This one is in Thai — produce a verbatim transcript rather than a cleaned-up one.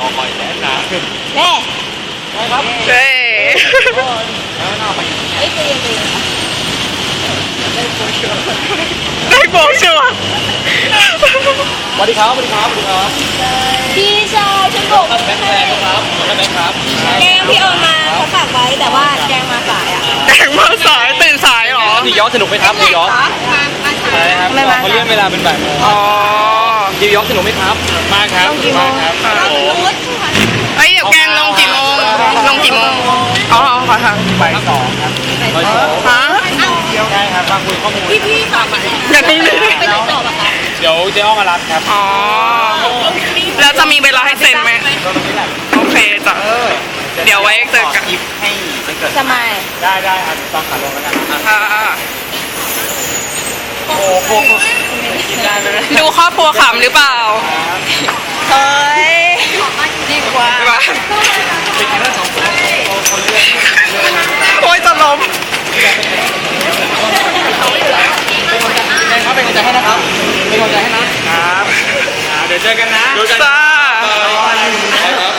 อคอยแน่นะแน่ได้ครับเฮ้ยแล้วน่าไปไอ้ตัวยังตัวยังได้โบกชัวร์สวัสดีครับสวัสดีครับสวัสดีครับพี่ชายฉันบอกแบงค์แบงค์ครับแบงค์ครับแกงพี่เอามาเขาฝากไว้แต่ว่าแกงมาสายอ่ะแต่งมาสายตื่นสายเหรอนิวยอร์กสนุกไหมครับนิวยอร์กมามาสายใช่ครับเขาเลื่อนเวลาเป็นบ่ายโมงอ๋อนิวยอร์กสนุกไหมครับมากครับมากครับโอ้โหเฮ้ยเดี๋ยวแกงลงกี่โมงลงกี่โมงอ๋อขอทางบ่ายสองครับบ่ายสองฮะใช่ครับมาคุยข้อมูลพี่พี่ฝากมาอย่าเพิ่งเลยไปไหนต่อปะคะเดี๋ยวเจ๊อ้อมารับครับอ๋อแล้วจะมีเวลาให้เซ็นไหมโอเคจ้ะเดี๋ยวไว้เจอกันยิปให้ไม่เกิดสมัยได้ได้ครับตอนขาลงแล้วกันค่ะโอ้โหได้เลยดูครอบครัวขำหรือเปล่าเฮ้ยดีกว่าว่าไปกินได้สองคนคนเลือกโอ้ยจะล้มเป็นกำลังใจให้นะครับเป็นกำลังใจให้นะครับเดี๋ยวเจอกันนะจ้าครับ